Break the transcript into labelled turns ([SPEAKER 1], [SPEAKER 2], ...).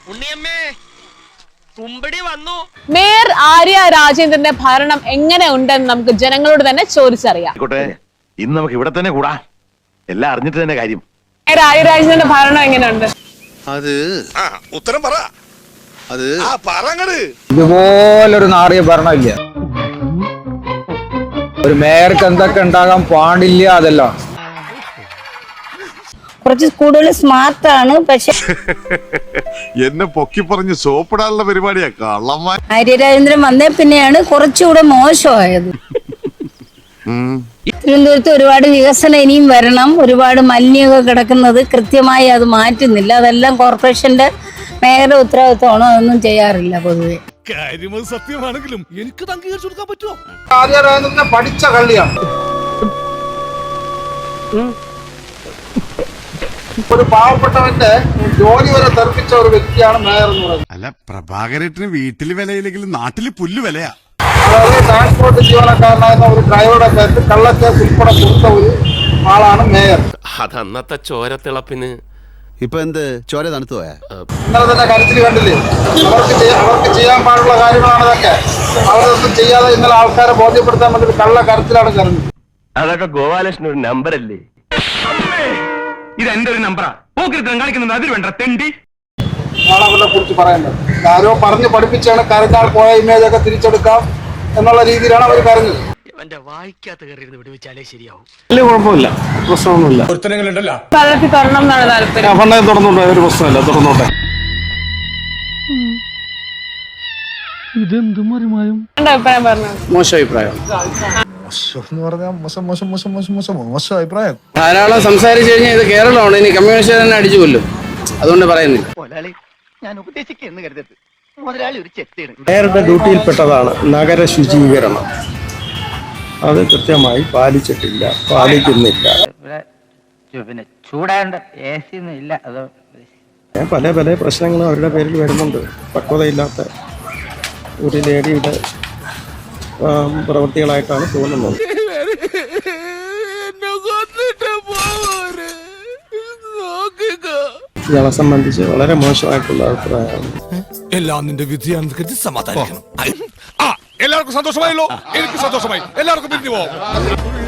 [SPEAKER 1] ഉണ്ണിയമ്മേ കുമ്പടി വന്നു.
[SPEAKER 2] മേയർ ആര്യ രാജേന്ദ്രന്റെ ഭരണം എങ്ങനെ ഉണ്ടെന്ന് നമുക്ക് ജനങ്ങളോട് തന്നെ ചോദിച്ചറിയാം.
[SPEAKER 3] ഇന്ന് നമുക്ക് ഇവിടെ തന്നെ കൂടാ, എല്ലാം അറിഞ്ഞിട്ട് തന്നെ കാര്യം.
[SPEAKER 2] മേയർ ആര്യ രാജേന്ദ്രന്റെ ഭരണം എങ്ങനെയുണ്ട്?
[SPEAKER 4] അത് ഉത്തരം പറ. അത്
[SPEAKER 5] ഇതുപോലൊരു നാറിയ ഭരണമില്ല. ഒരു മേയർക്ക് എന്തൊക്കെ ഉണ്ടാകാൻ പാടില്ല അതെല്ലാം.
[SPEAKER 6] കുറച്ച് കൂടുതൽ സ്മാർട്ടാണ്. പക്ഷെ
[SPEAKER 4] എന്നെ പൊക്കി പറഞ്ഞ് സോപ്പിടാനുള്ള പരിപാടിയാ കള്ളന്മാർ.
[SPEAKER 6] ആര്യരാജേന്ദ്രൻ വന്നേ പിന്നെയാണ് കുറച്ചുകൂടെ മോശമായത്. തിരുവനന്തപുരത്ത് ഒരുപാട് വികസനം ഇനിയും വരണം. ഒരുപാട് മലിനമൊക്കെ കിടക്കുന്നത് കൃത്യമായി അത് മാറ്റുന്നില്ല. അതെല്ലാം കോർപ്പറേഷന്റെ മേയറുടെ ഉത്തരവാദിത്വമാണോ, അതൊന്നും ചെയ്യാറില്ല പൊതുവെ.
[SPEAKER 7] സത്യമാണെങ്കിലും എനിക്ക് അംഗീകരിച്ചു കൊടുക്കാൻ പറ്റുമോ?
[SPEAKER 5] ആര്യരാജേന്ദ്രനെ പഠിച്ച കള്ളിയാണ്. ഒരു പാവപ്പെട്ടവന്റെ ജോലി വരെ തെറിപ്പിച്ച ഒരു വ്യക്തിയാണ് മേയർ എന്ന് പറയുന്നത്.
[SPEAKER 4] അല്ല, പ്രഭാകരേട്ടന് വീട്ടില് വിലയില്ലെങ്കിലും നാട്ടില് പുല്ല് വിലയാ.
[SPEAKER 5] അതായത് ട്രാൻസ്പോർട്ട് ജീവനക്കാരനായിരുന്ന ഒരു ഡ്രൈവറുടെ പേരിൽ കള്ളക്കേസ് ഉൾപ്പെടെ കൊടുത്ത ഒരു ആളാണ് മേയർ.
[SPEAKER 1] അതന്നത്തെ ചോരത്തിളപ്പിന്
[SPEAKER 4] ഇപ്പൊ എന്ത് ചോര തണുത്തു പോയാ?
[SPEAKER 5] ഇന്നലെ തന്നെ കരച്ചിൽ കണ്ടില്ലേ? അവർക്ക് ചെയ്യാൻ പാടുള്ള കാര്യങ്ങളാണ് ഇതൊക്കെ. അവരൊന്നും ചെയ്യാതെ ഇന്നലെ ആൾക്കാരെ ബോധ്യപ്പെടുത്താൻ വേണ്ടി കള്ള കരച്ചിലാണ് കരഞ്ഞത്.
[SPEAKER 3] അതൊക്കെ ഗോപാലകൃഷ്ണൻ ഒരു നമ്പർ അല്ലേ? ഇത് എന്റെ ഒരു നമ്പറാ. കാണിക്കുന്നത് അതിൽ വേണ്ട തെണ്ടി.
[SPEAKER 5] അവരെ കുറിച്ച് പറയേണ്ടത് ആരോ പറഞ്ഞ് പഠിപ്പിച്ചാണ് കരഞ്ഞാൽ പോയ ഇമേജ് ഒക്കെ തിരിച്ചെടുക്കാം എന്നുള്ള രീതിയിലാണ് അവർ കരഞ്ഞത്.
[SPEAKER 1] എന്റെ വായിക്കാത്ത കയറി വിടുവിച്ചാലേ ശരിയാവും.
[SPEAKER 5] വലിയ കുഴപ്പമില്ല, പ്രശ്നമൊന്നുമില്ല.
[SPEAKER 2] പദ്ധതി തുറണം എന്നാണ് താല്പര്യം.
[SPEAKER 5] ഫണ്ടായി തുറന്നോട്ടെ, ഒരു പ്രശ്നമില്ല, തുറന്നോട്ടെ.
[SPEAKER 2] അഭിപ്രായം പറഞ്ഞു.
[SPEAKER 5] മോശം അഭിപ്രായം. മോശം അഭിപ്രായം. ധാരാളം സംസാരിച്ചു കഴിഞ്ഞാൽ ഇത് കേരളമാണ്, ഇനി കമ്മ്യൂണിസ്റ്റ് തന്നെ അടിച്ചു കൊല്ലും. അതുകൊണ്ട് പറയുന്നില്ല.
[SPEAKER 1] ഞാൻ ഉപദേശിക്കുന്നു കരുതരുത്. മുതലാളി ഒരു ചെത്തിയാണ്.
[SPEAKER 8] മേയറുടെ ഡ്യൂട്ടിയിൽപ്പെട്ടതാണ് നഗര ശുചീകരണം. അത് കൃത്യമായി പാലിച്ചിട്ടില്ല, പാലിക്കുന്നില്ല.
[SPEAKER 9] പിന്നെ ചൂടാണ്ട് എ സി ഒന്നും ഇല്ല. അത്
[SPEAKER 8] പല പല പ്രശ്നങ്ങളും അവരുടെ പേരിൽ വരുന്നുണ്ട്. പക്വതയില്ലാത്ത ഒരു ലേഡിയുടെ പ്രവൃത്തികളായിട്ടാണ് തോന്നുന്നത്. ഇയാളെ സംബന്ധിച്ച് വളരെ മോശമായിട്ടുള്ള അഭിപ്രായമാണ്.
[SPEAKER 7] എല്ലാം നിന്റെ വിധിയാണെന്ന് കരുതി സമാധാനിക്കണം. എല്ലാവർക്കും സന്തോഷമായല്ലോ? എനിക്ക് സന്തോഷമായി. എല്ലാവർക്കും പിരിഞ്ഞു പോവാം.